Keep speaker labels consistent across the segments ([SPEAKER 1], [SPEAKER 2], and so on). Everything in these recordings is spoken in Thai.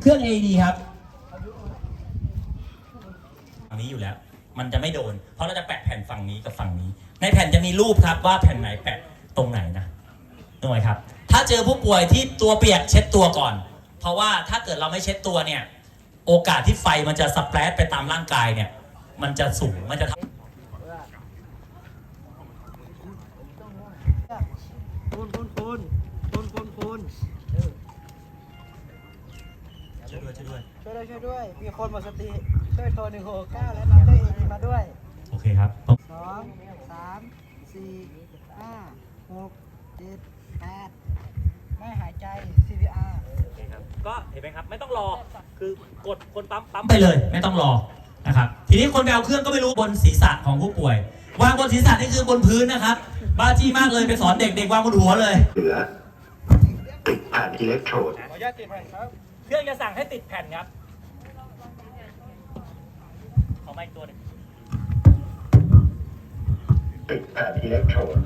[SPEAKER 1] เครื่อง AED ครับฝั่งนี้อยู่แล้วมันจะไม่โดนเพราะเราจะแปะแผ่นฝั่งนี้กับฝั่งนี้ในแผ่นจะมีรูปครับว่าแผ่นไหนแปะตรงไหนนะนึกไหมครับถ้าเจอผู้ป่วยที่ตัวเปียกเช็ดตัวก่อนเพราะว่าถ้าเกิดเราไม่เช็ดตัวเนี่ยโอกาสที่ไฟมันจะสเปรดไปตามร่างกายเนี่ยมันจะสูงมันจะช่วย
[SPEAKER 2] ด้วยมีคนหมดสติช่วยโทร169และนำด้วยAEDมาด้วย
[SPEAKER 1] โอเคครับ
[SPEAKER 2] 2 3 4 5 6 7 8ไม่หายใจ CPR
[SPEAKER 1] โอเคครับก็เห็นไหมครับไม่ต้องรอคือกดคนปั๊มไปเลยไม่ต้องรอนะครับทีนี้คนไปเอาเครื่องก็ไม่รู้บนศีรษะของผู้ป่วยวางบนศีรษะนี่คือบนพื้นนะครับบ้าจี้มากเลยไปสอนเด็กๆวางบนหัวเลย
[SPEAKER 3] เหลือติดแผ่นอิเล็กโทรด
[SPEAKER 2] ขออนุญาตติดแผ่นครับ
[SPEAKER 1] เครื่องจะสั่งให้ติดแผ่นครับขอไม้ตัวหนึ่ง
[SPEAKER 3] ติดแผ่นอิเล็กโทรด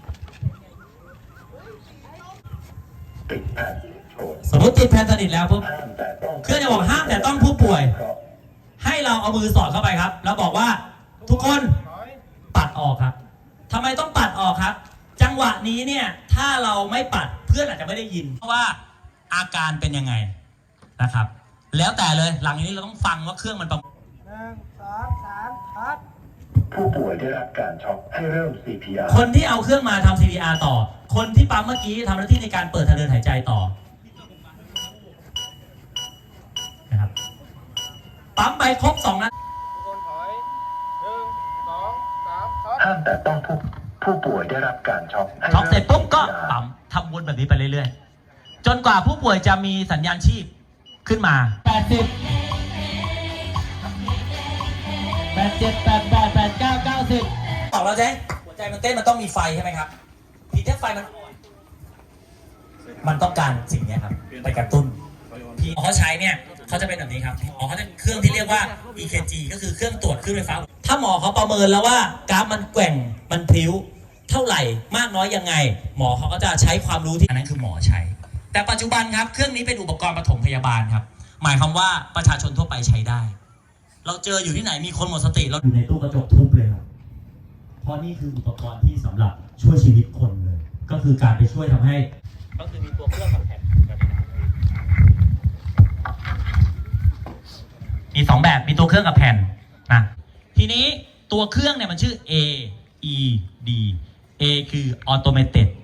[SPEAKER 3] ติดแผ่นอิเล็กโทรด
[SPEAKER 1] สมมติติดแผ่นสนิทแล้วปุ๊บเครื่องจะบอกห้ามแต่ต้องผู้ป่วยให้เราเอามือสอดเข้าไปครับแล้วบอกว่าทุกคนปัดออกครับทำไมต้องปัดออกครับจังหวะนี้เนี่ยถ้าเราไม่ปัดเพื่อนอาจจะไม่ได้ยินเพราะว่าอาการเป็นยังไงนะครับแล้วแต่เลยหลังนี้เราต้องฟังว่าเครื่องมันประ
[SPEAKER 2] 1 2 3พัด
[SPEAKER 3] ผู้ป่วยได้รับการช็อกให้เริ่ม CPR
[SPEAKER 1] คนที่เอาเครื่องมาทำ CPR ต่อคนที่ปั๊มเมื่อกี้ทำหน้าที่ในการเปิดทางเดินหายใจต่อนะครับปั๊มไปครบ2นัด
[SPEAKER 2] คนถอย1 2 3ช็อต
[SPEAKER 3] ห้ามแต่ต้องผู้ป่วยได้รับการช็อก
[SPEAKER 1] ช็อกเสร็จปุ๊บก็ปั๊มทำวนแบบนี้ไปเรื่อยๆจนกว่าผู้ป่วยจะมีสัญญาณชีพขึ้นมา80 87 88 89 90บอกเราใช่หัวใจมันเต้นมันต้องมีไฟใช่ไหมครับทีถ้าไฟมันต้องการสิ่งนี้ครับไปกระตุ้นพี่เขาใช้เนี่ยเขาจะเป็นแบบนี้ครับหมอเขาจะเครื่องที่เรียกว่า EKG ก็คือเครื่องตรวจคลื่นไฟฟ้าถ้าหมอเขาประเมินแล้วว่ากราฟมันแกว่งมันพลิ้วเท่าไหร่มากน้อยยังไงหมอเขาก็จะใช้ความรู้ที่อันนั้นคือหมอใช้แต่ปัจจุบันครับเครื่องนี้เป็นอุปกรณ์ปฐมพยาบาลครับหมายความว่าประชาชนทั่วไปใช้ได้เราเจออยู่ที่ไหนมีคนหมดสติเราอยู่ในตู้กระจกทุบเลยครับเพราะนี่คืออุปกรณ์ที่สำหรับช่วยชีวิตคนเลยก็คือการไปช่วยทำให้ก็คือมีตัวเครื่องกับแผ่นมี2แบบมีตัวเครื่องกับแผ่นนะทีนี้ตัวเครื่องเนี่ยมันชื่อ AED A คือ Automated